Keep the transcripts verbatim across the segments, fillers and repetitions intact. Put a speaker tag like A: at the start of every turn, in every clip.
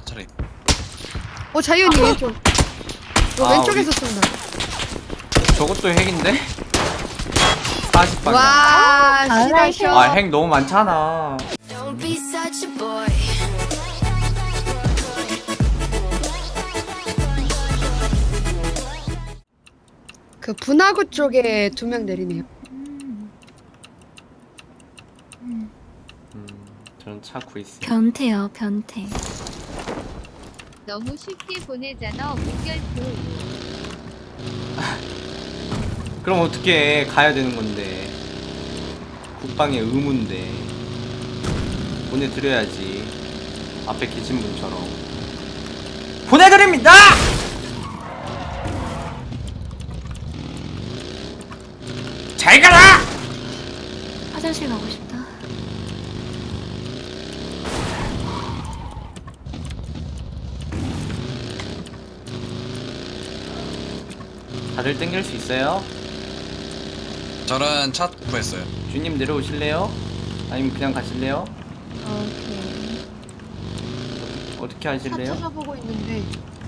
A: 차라리.
B: 어 자이언이 왼쪽. 어,
C: 아,
B: 왼쪽에서 쏜다.
C: 저것도 핵인데? 사십 방향.
B: 와
D: 아,
B: 시다셔.
C: 아, 핵 너무 많잖아.
E: Don't be such a boy.
B: 그 분화구 쪽에 두 명 내리네요.
C: 음, 저는 차 구했어요.
D: 변태요, 변태.
F: 너무 쉽게 보내잖아 무결표.
C: 그럼 어떻게 가야 되는 건데? 국방의 의무인데 보내드려야지. 앞에 계신 분처럼 보내드립니다. 잘 가라.
D: 화장실 가고 싶다.
C: 다들 땡길 수 있어요?
A: 저는 차 구했어요.
C: 주님 내려오실래요? 아니면 그냥 가실래요?
D: 오케이.
C: 어떻게
B: 차
C: 하실래요?
B: 찾아보고 있는데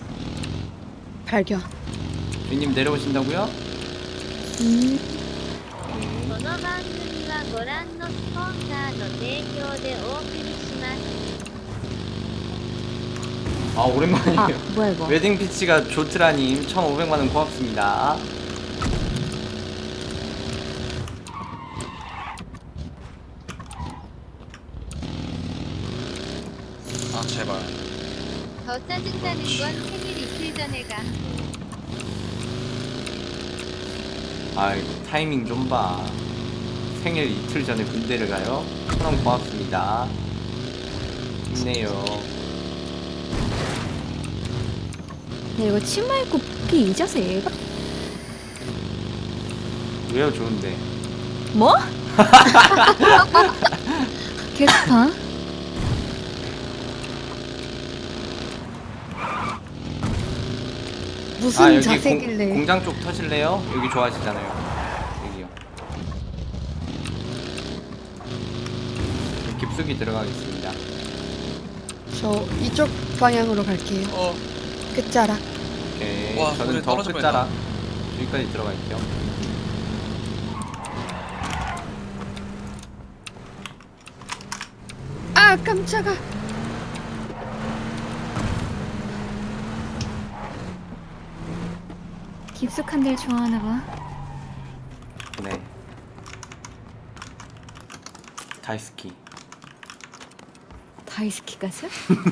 B: 발견.
C: 주님 내려오신다고요?
D: 음,
F: この番組はご覧のスポンサーの提供でお送りします.
C: 아 오랜만이에요.
D: 아, 뭐야 이거?
C: 웨딩 피치가 조트라님 천오백만 원 고맙습니다.
A: 아 제발.
F: 더 짜증나는 건 생일 이틀 전에 가.
C: 아이 타이밍 좀 봐. 생일 이틀 전에 군대를 가요? 천원 고맙습니다. 힘내요.
D: 야, 이거 치마 입고 뽑기 이자세 얘가?
C: 왜요 좋은데?
D: 뭐? 개스파?
B: 무슨
C: 아 여기
B: 자세길래?
C: 공, 공장 쪽 터실래요? 여기 좋아하시잖아요. 여기요. 깊숙이 들어가겠습니다.
B: 저 이쪽 방향으로 갈게요.
A: 어.
B: 끝자락.
C: 오케이.
A: 와,
C: 저는
A: 우리
C: 더
A: 떨어질
C: 끝자락 여기까지 들어갈게요.
B: 아 깜짝아.
D: 깊숙한 데를 좋아하나 봐.
C: 네. 다이스키.
D: 다이스키까지?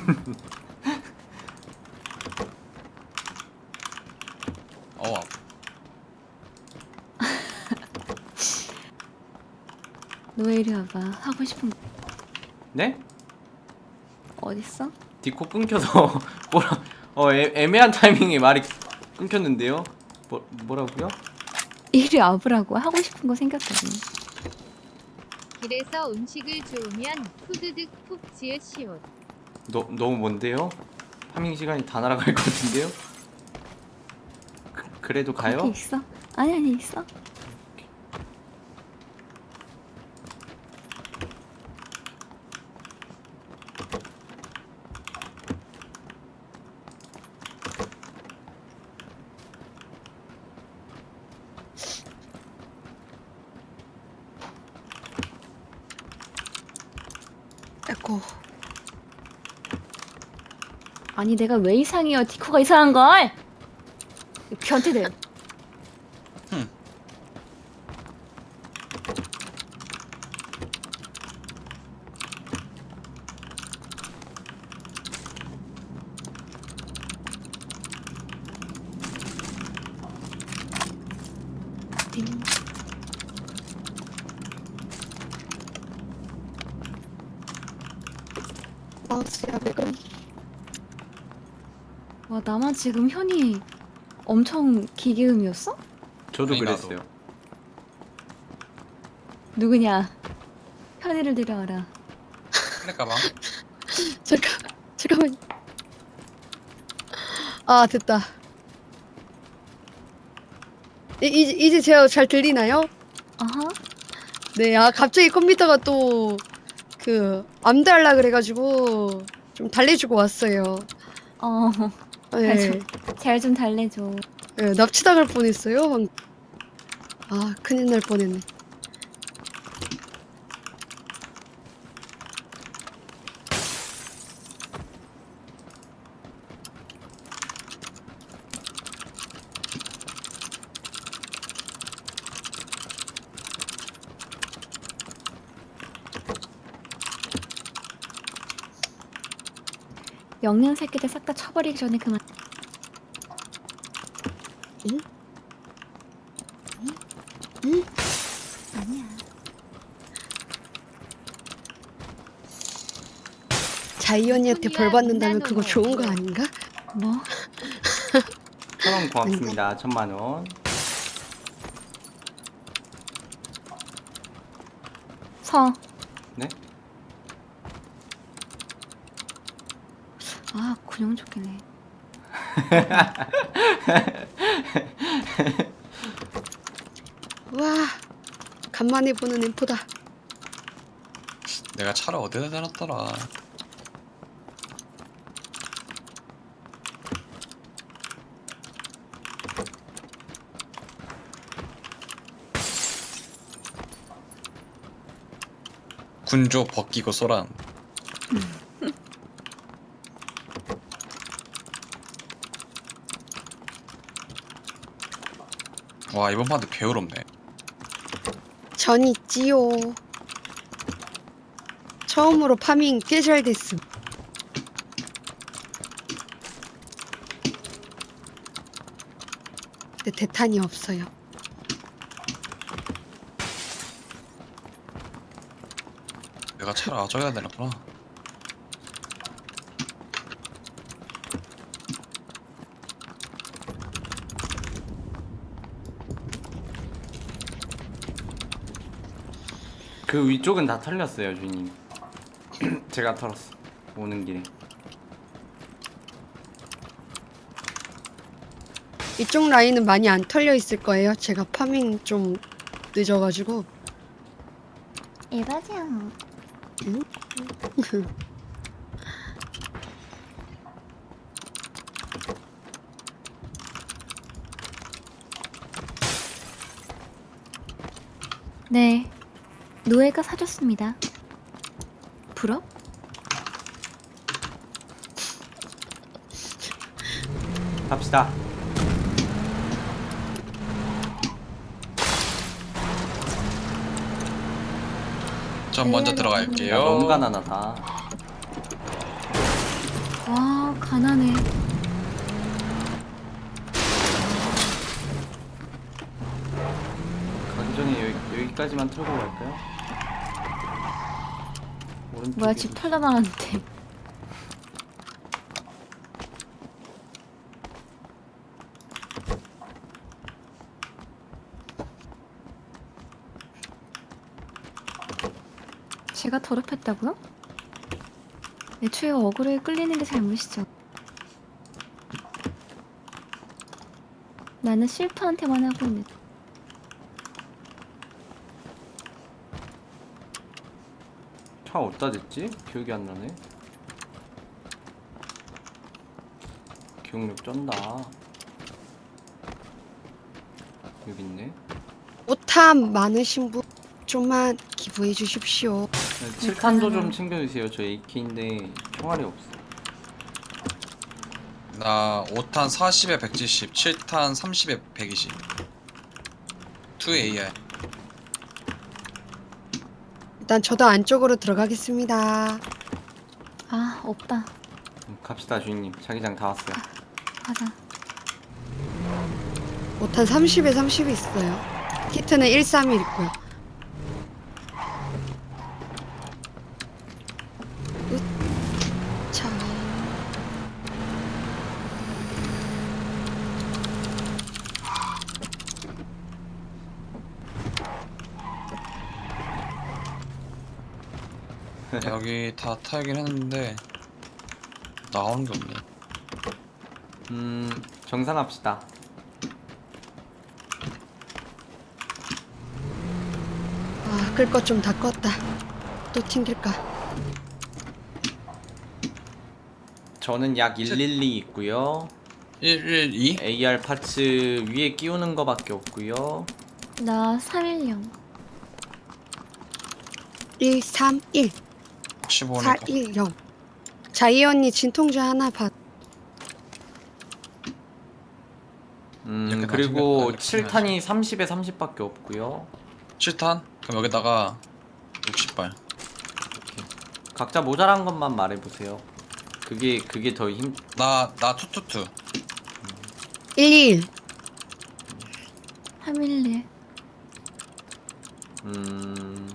A: 어.
D: 너 이리 와봐. 하고 싶은 거
C: 네?
D: 어딨어?
C: 디코 끊겨서 뭐라 어 애, 애매한 타이밍에 말이 끊겼는데요? 뭐 뭐라고요?
D: 이리 와보라고. 하고 싶은 거 생겼거든.
F: 길에서 음식을 주우면 후드득 푹 지으시오.
C: 너 너무 먼데요? 파밍 시간이 다 날아갈 것 같은데요? 그, 그래도 가요?
D: 거기 있어? 아니 아니 있어.
B: 에고.
D: 아니 내가 왜 이상해요? 디코가 이상한 걸. 변태들.
A: 흠.
D: 띵.
B: 마우스야 매금.
D: 와 나만 지금 현이 엄청 기계음이었어?
C: 저도
A: 아니, 나도.
C: 그랬어요.
D: 누구냐? 현이를 데려와라.
A: 플랫 가방.
B: 잠깐 잠깐만. 아 됐다. 이, 이제 이제 제가 잘 들리나요?
D: 아하.
B: 네, 아 갑자기 컴퓨터가 또 그 암달라 그래가지고 좀 달래주고 왔어요.
D: 어,
B: 네.
D: 잘 좀 달래줘.
B: 네, 납치당할 뻔했어요. 방- 아, 큰일 날 뻔했네.
D: 영양 새끼들 싹 다 쳐버리기 전에 그만.
B: 응? 응?
D: 아니야.
B: 자이 언니한테 벌 받는다면 그거 좋은 거 아닌가?
D: 뭐?
C: 천원 고맙습니다. 천만 원.
D: 서.
C: 네?
D: 아, 군용 좋겠네.
B: 와, 간만에 보는 엠포다.
A: 내가 차를 어디다 대놨더라. 군조 벗기고 쏘란. 와, 이번 판도 게으롭네.
B: 전 있지요. 처음으로 파밍 꽤 잘 됐음. 근데 대탄이 없어요.
A: 내가 차를 아줘야 되는구나.
C: 그 위쪽은 다 털렸어요, 주인님. 제가 털었어. 오는 길에.
B: 이쪽 라인은 많이 안 털려 있을 거예요. 제가 파밍 좀 늦어가지고.
D: 에바장.
B: 응?
D: 네. 노예가 사줬습니다. 부럽?
C: 갑시다.
A: 전 먼저
D: 네,
A: 들어갈게요.
C: 야, 너무 가난하다.
D: 와, 가난해.
C: 가기 전에 여기, 여기까지만 털고 갈까요? 오른쪽에
D: 뭐야, 집 털다 나왔는데. 제가 더럽혔다고요? 애초에 어그로에 끌리는 게 잘못이죠. 나는 실프한테만 하고 있는.
C: 차 어디다 댔지? 기억이 안 나네. 기억력 쩐다. 여기 있네.
B: 오탐 많으신 분 좀만 기부해 주십시오.
C: 칠 탄도 좀 챙겨주세요. 저 에이케이인데 총알이 없어.
A: 나 오 탄 사십에 백칠십, 칠 탄 삼십에 백이십. 투 에이알.
B: 일단 저도 안쪽으로 들어가겠습니다.
D: 아, 없다.
C: 음, 갑시다 주인님. 자기장 다 왔어요.
D: 가자.
B: 오탄 삼십에 삼십이 있어요. 키트는 백삼십일 있고요. 으차.
A: 여기 다 타긴 했는데 나오는 게 없네.
C: 음 정산합시다.
B: 아, 끌 것 좀 다 껐다. 또 튕길까?
C: 저는 약 일일이 있고요.
A: 일일이?
C: 에이알 파츠 위에 끼우는 거밖에 없고요.
D: 나 삼일영.
B: 일 삼 일
A: 십오
B: 사
A: 니까
B: 일 영. 자이 언니 진통제 하나 받.
C: 음
A: 이렇게
C: 그리고
A: 나중에
C: 칠 탄이 삼십에 삼십밖에 없고요.
A: 칠 탄? 그럼 여기다가 육십 발.
C: 각자 모자란 것만 말해보세요. 그게 그게 더 힘.
A: 나나 투투투.
B: 일이일.
D: 삼일일.
C: 음.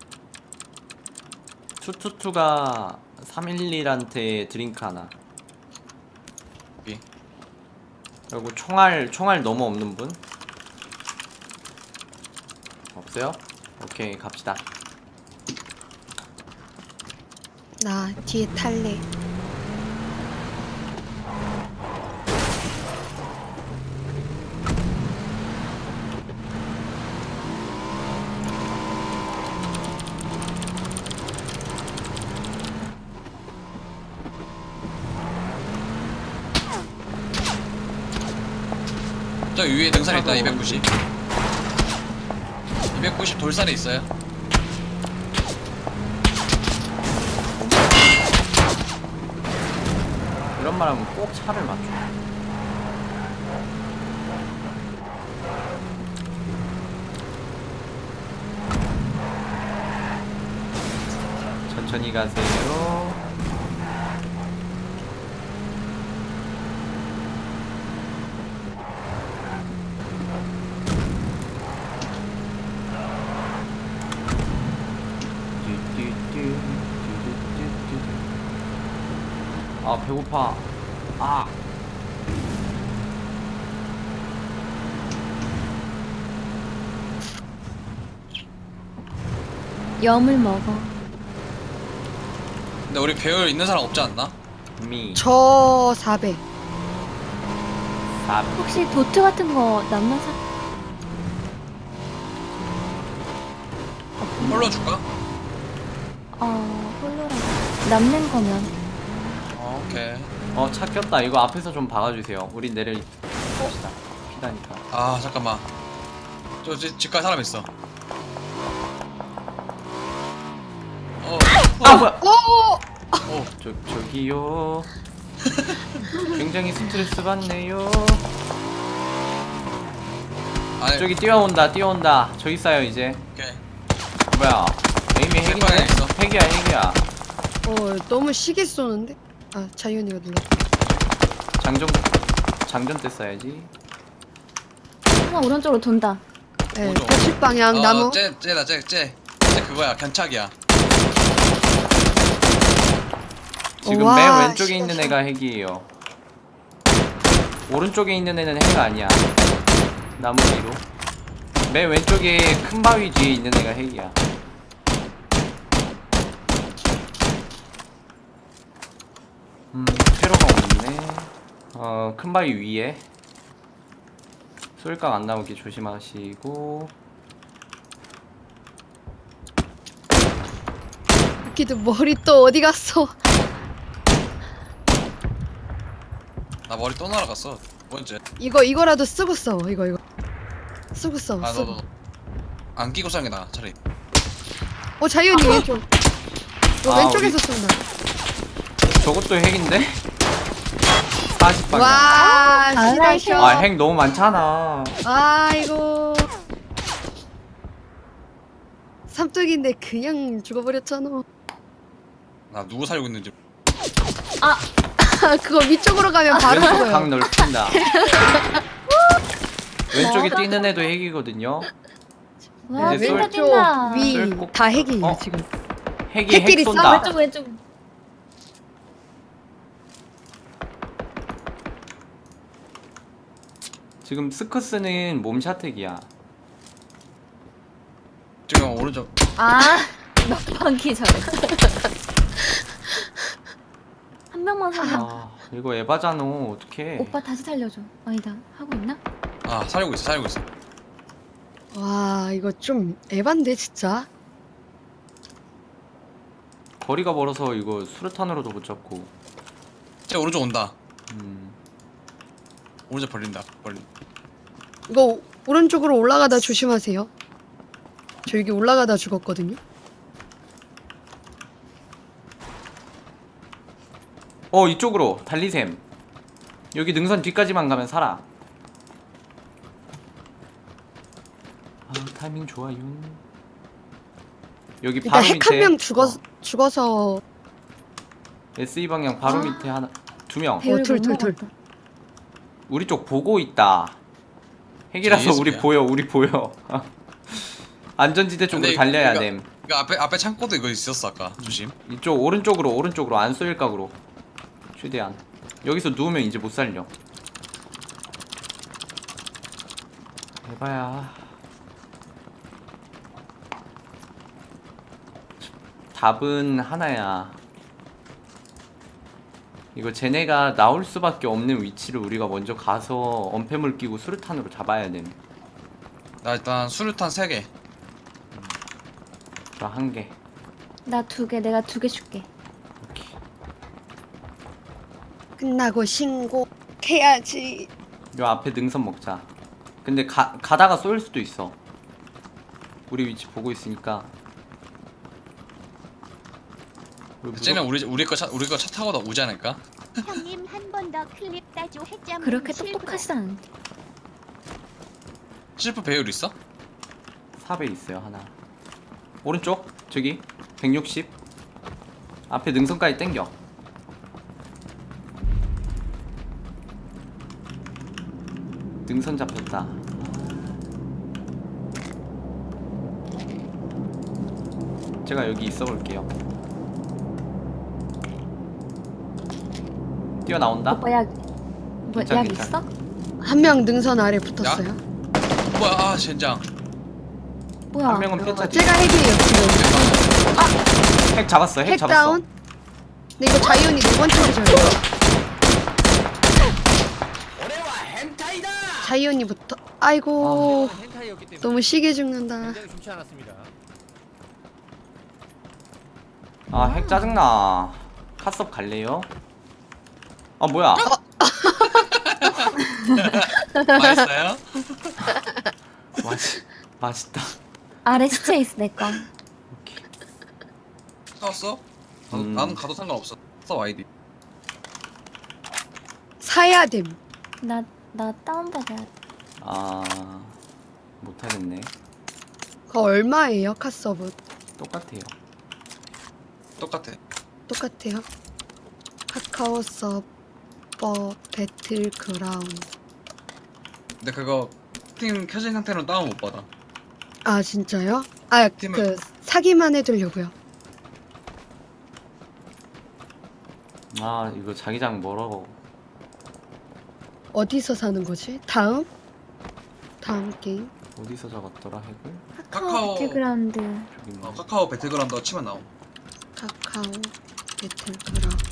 C: 투투투가 삼일일한테 드링크 하나.
A: 여기.
C: 그리고 총알 총알 너무 없는 분? 없어요? 오케이 갑시다.
B: 나 뒤에 탈래.
A: 저 위에 등산 있다. 이백구십. 이백구십 돌산에 있어요.
C: 이런 말 하면 꼭 차를 맞춰. 천천히 가세요. 아 배고파. 아
D: 염을 먹어.
A: 근데 우리 배율 있는 사람 없지 않나?
C: 미.
B: 저 사백.
C: 사.
D: 혹시 도트 같은 거 남는 사?
A: 홀로 줄까?
D: 어, 홀로라고. 남는 거면.
A: 어, 오케이.
C: 어 차 꼈다. 이거 앞에서 좀 박아주세요. 우리 내려 봅시다. 피다니까.
A: 아 잠깐만. 저 집, 집갈 사람 있어. 어.
C: 아 뭐야?
B: 오!
A: 오.
C: 저 저기요. 굉장히 스트레스 받네요.
A: 아니.
C: 저기 뛰어온다 뛰어온다. 저기 있어요 이제.
A: 오케이.
C: 뭐야? 에임이 핵이네.
A: 백방에 있어.
C: 핵이야 핵이야.
B: 어, 너무 시계 쏘는데? 아, 자이 언니가 눌렀다.
C: 장전 장전 때 써야지.
D: 하나 오른쪽으로 돈다.
B: 네,
A: 오죠.
B: 백십 방향
A: 어,
B: 나무.
A: 쟤, 쟤다, 쟤, 쟤. 쟤 그거야, 견착이야.
C: 지금
B: 와,
C: 맨 왼쪽에
B: 씨발,
C: 있는
B: 씨발.
C: 애가 핵이에요. 오른쪽에 있는 애는 핵 아니야. 나무 뒤로. 맨 왼쪽에 큰 바위 뒤에 있는 애가 핵이야. 음, 테러가 없네. 어, 큰 바위 위에. 쏠각 안 나오게 조심하시고.
B: 웃기도 머리 또 어디 갔어?
A: 나 머리 또 날아갔어. 뭔지.
B: 이거 이거라도 쓰고 싸워. 이거 이거. 쓰고 싸워.
A: 아, 너,
B: 쓰고.
A: 너. 안 끼고 싸는 게 나아, 차라리.
B: 어, 자이 언니 왼쪽. 너
C: 아,
B: 왼쪽에서 쏜다.
C: 저것도 핵인데? 사십 방향.
B: 와,
D: 아,
B: 시다셔.
C: 아, 핵 너무 많잖아.
B: 아이고. 삼뚝인데 그냥 죽어버렸잖아.
A: 나 누구 살고 있는지.
B: 아, 그거 위쪽으로 가면 바로
C: 왼쪽
B: 죽어요.
C: 각 넓힌다. 왼쪽에 뛰는 애도 핵이거든요.
D: 와,
C: 이제
D: 뛴다
C: 쏠-
D: 뛴다.
B: 위
C: 쏠-
B: 다 핵이에요
C: 어?
B: 지금.
C: 핵이
B: 핵끼리
C: 핵 쏜다.
B: 싸워?
D: 왼쪽 왼쪽.
C: 지금 스커스는 몸샷 핵이야.
A: 지금 오른쪽.
D: 아, 막판기 잘해. 한 명만 살려.
C: 아, 이거 에바잖아. 어떡해.
D: 오빠 다시 살려줘. 아니다. 하고 있나?
A: 아, 살고 있어, 살고 있어.
B: 와, 이거 좀 에반데 진짜.
C: 거리가 멀어서 이거 수류탄으로도 못 잡고.
A: 쟤 오른쪽 온다.
C: 음.
A: 오른쪽 벌린다. 벌린.
B: 이거 오른쪽으로 올라가다 조심하세요. 저 여기 올라가다 죽었거든요.
C: 어 이쪽으로 달리셈. 여기 능선 뒤까지만 가면 살아. 아 타이밍 좋아요. 여기
B: 일단
C: 바로
B: 핵
C: 밑에
B: 한 명 죽어
C: 어,
B: 죽어서
C: 에스이 방향 바로
B: 아.
C: 밑에 하나 두 명.
D: 배율
B: 둘,
D: 못
B: 둘, 둘.
D: 먹었다.
C: 우리 쪽 보고 있다. 핵이라서 우리
A: 제이에스피야.
C: 보여 우리 보여. 안전지대 쪽으로
A: 근데
C: 달려야
A: 이거-
C: 됨.
A: 이거 앞에 앞에 창고도 이거 있었어 아까. 조심.
C: 이쪽 오른쪽으로 오른쪽으로 안 쏘일 각으로 최대한. 여기서 누우면 이제 못 살려. 해봐야. 답은 하나야. 이거 쟤네가 나올 수밖에 없는 위치를 우리가 먼저 가서 엄폐물 끼고 수류탄으로 잡아야 됨.
A: 나 일단 수류탄 세 개.
C: 저 한 개.
D: 나 두 개, 내가 두 개 줄게.
C: 오케이.
B: 끝나고 신고해야지.
C: 요 앞에 능선 먹자. 근데 가, 가다가 쏠 수도 있어. 우리 위치 보고 있으니까. 우리 무조-
A: 쟤는 우리 우리 거차 우리 거 차 타고 다 오지 않을까?
F: 형님 한 번 더 클립 따줘 해점
D: 그렇게 똑똑하지 않은데.
A: 실프 배율 있어?
C: 삽에 있어요 하나. 오른쪽 저기 백육십. 앞에 능선까지 땡겨. 능선 잡혔다. 제가 여기 있어 볼게요. 뛰어나온다.
D: 오빠 약, 뭐,
C: 괜찮,
D: 약
C: 괜찮.
D: 있어?
B: 한 명 능선 아래 붙었어요.
A: 뭐야? 아 젠장.
D: 뭐야?
C: 한 명은 폐차.
B: 제가 핵이에요 지금.
C: 핵 잡았어. 핵,
B: 핵
C: 잡았어.
B: 다운. 근데 이거 자이언이 네 번째 기절이에요. 자이언이부터. 아이고 너무 시게 죽는다.
C: 아, 핵 짜증나. 카섭 갈래요? 아, 뭐야?
A: 맛있어요?
C: 맛있, 맛있다.
D: 아래 시체 있어, 내 거.
C: 오케이.
A: 사왔어? 나도,
C: 음.
A: 나는 가도 상관없어. 써 아이디.
B: 사야 됨.
D: 나, 나 다운받아야 돼.
C: 아, 못하겠네.
B: 그거 얼마예요 카서브?
C: 똑같아요.
A: 똑같아.
B: 똑같아요. 카카오 서버 배틀그라운드.
A: 근데 그거 팀 켜진 상태로 다운 못 받아.
B: 아 진짜요? 아
A: 팀을-
B: 그 사기만 해두려고요.
C: 아, 이거 자기장 멀어.
B: 어디서 사는 거지? 다음? 다음 게임?
C: 어디서 잡았더라, 핵을?
D: 카카오
A: 카카오.
D: 배틀그라운드.
C: 저기
A: 어,
C: 뭐.
A: 카카오 배틀그라운드 치면 나옴.
B: 카카오 배틀그라운드.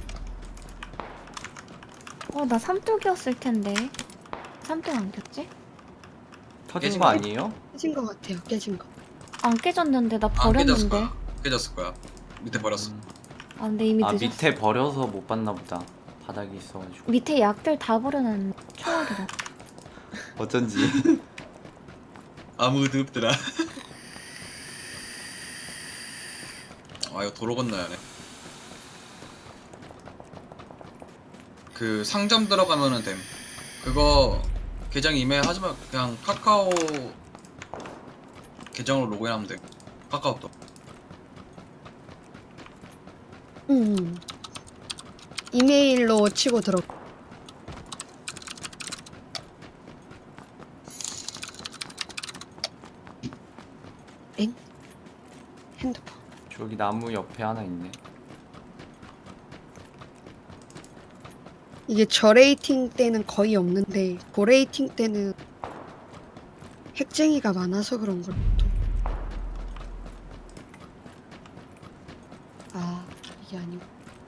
D: 어, 나 삼뚝이었을 텐데. 삼뚝 안 꼈지?
C: 터진
A: 깨진
C: 거
A: 거?
C: 아니에요?
B: 깨진 거 같아요. 깨진 거.
D: 안 깨졌는데, 나
A: 안 깨졌을
D: 버렸는데.
A: 거야. 깨졌을 거야. 밑에 버렸어.
C: 음.
D: 아, 근데 이미
C: 아,
D: 늦었어.
C: 밑에 버려서 못 봤나 보다. 바닥에 있어가지고.
D: 밑에 약들 다 버려놨네. 초월이라.
C: 어쩐지.
A: 아무도 없더라. 아 이거 도로 건너야 하네. 그 상점 들어가면은 됨. 그거 계정 이메일 하지만 그냥 카카오 계정으로 로그인하면 돼. 카카오톡.
B: 음. 이메일로 치고 들어. 엥? 핸드폰.
C: 저기 나무 옆에 하나 있네.
B: 이게 저레이팅 때는 거의 없는데 고레이팅 때는 핵쟁이가 많아서 그런 걸 또. 아 이게 아니고.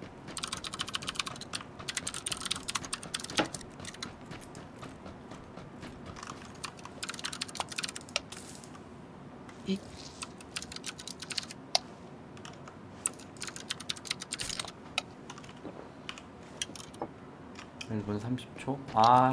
B: 이-
C: 일 분 삼십 초. 아.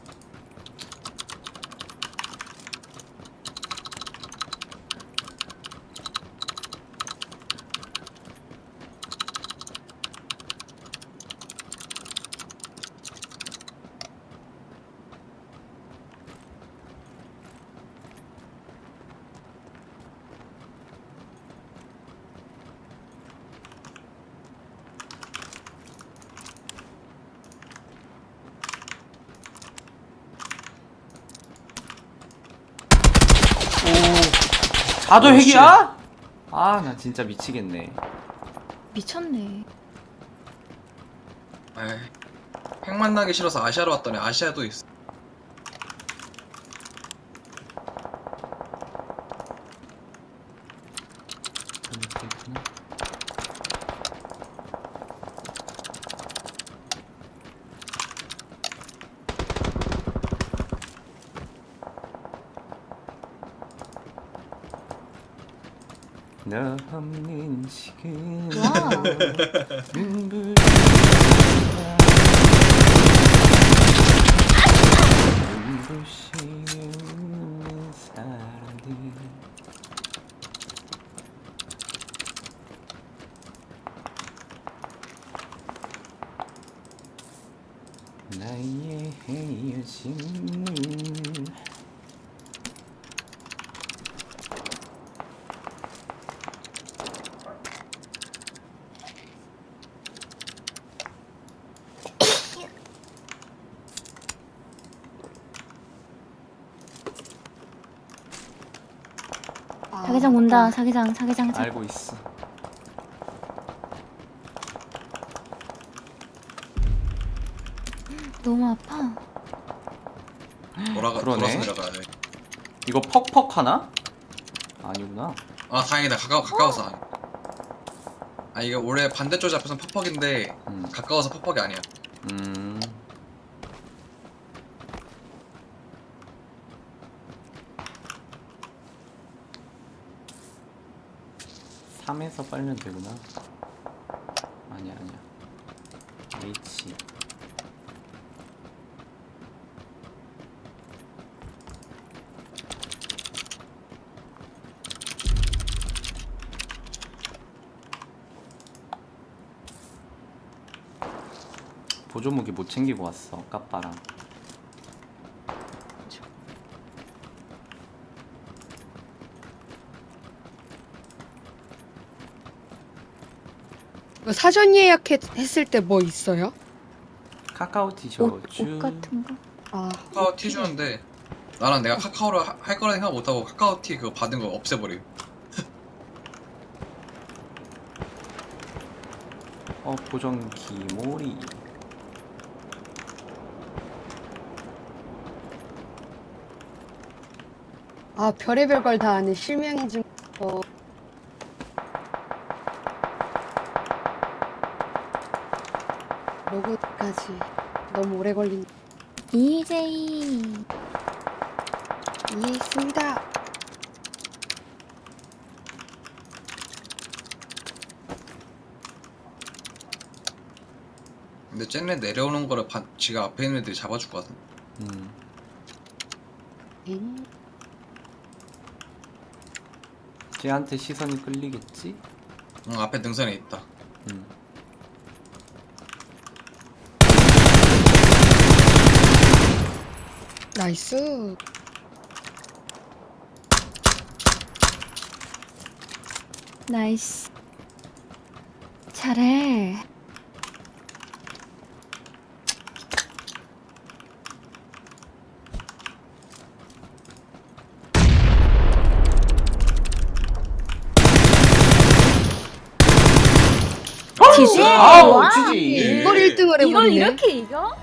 C: 오. 자도
A: 오,
C: 핵이야? 아, 나 진짜 미치겠네.
D: 미쳤네.
A: 에이, 핵 만나기 싫어서 아시아로 왔더니 아시아도 있어.
C: 이렇게 있구나. 너 없는 지금
D: 와우.
C: 눈부신 눈부시는 사람들 나의 헤어짐을
B: 아,
D: 자기장 온다. 자기장, 자기장. 자...
C: 알고 있어.
D: 너무 아파.
A: 돌아가
C: 그러네.
A: 돌아서 내려가야 돼.
C: 이거 퍽퍽 하나? 아니구나.
A: 아 다행이다. 가까워 가까워서. 아 이게 원래 반대쪽 잡혀선 퍽퍽인데
C: 음.
A: 가까워서 퍽퍽이 아니야.
C: 음. 삼에서 빨면 되구나. 아니야, 아니야. H. 보조무기 못 챙기고 왔어, 까빠랑.
B: 이거 사전 예약했을 때 뭐 있어요?
C: 카카오
D: 옷,
C: 티셔츠.
D: 옷 같은 거.
B: 아,
A: 카카오 티 주는데 나는 내가 카카오를 하- 할 거라 생각 못하고 카카오 티 그거 받은 거 없애버려.
C: 어, 보정기 모리.
B: 아 별의별 걸 다 아네. 실명인증. 어. 로그까지 너무 오래 걸린.
D: 이제이.
B: 이해했습니다.
A: 근데 쟤네 내려오는 거를 반, 지가 앞에 있는 애들이 잡아줄 것 같은데.
C: 음.
B: 음.
C: 쟤한테 시선이 끌리겠지?
A: 응 앞에 능선에 있다.
C: 음.
B: 나이스.
D: 나이스. 잘해. 지지?
C: 아우,
D: 와.
C: 지지.
B: 이걸 일 등을
D: 이걸
B: 해버리네.
D: 이렇게 이겨?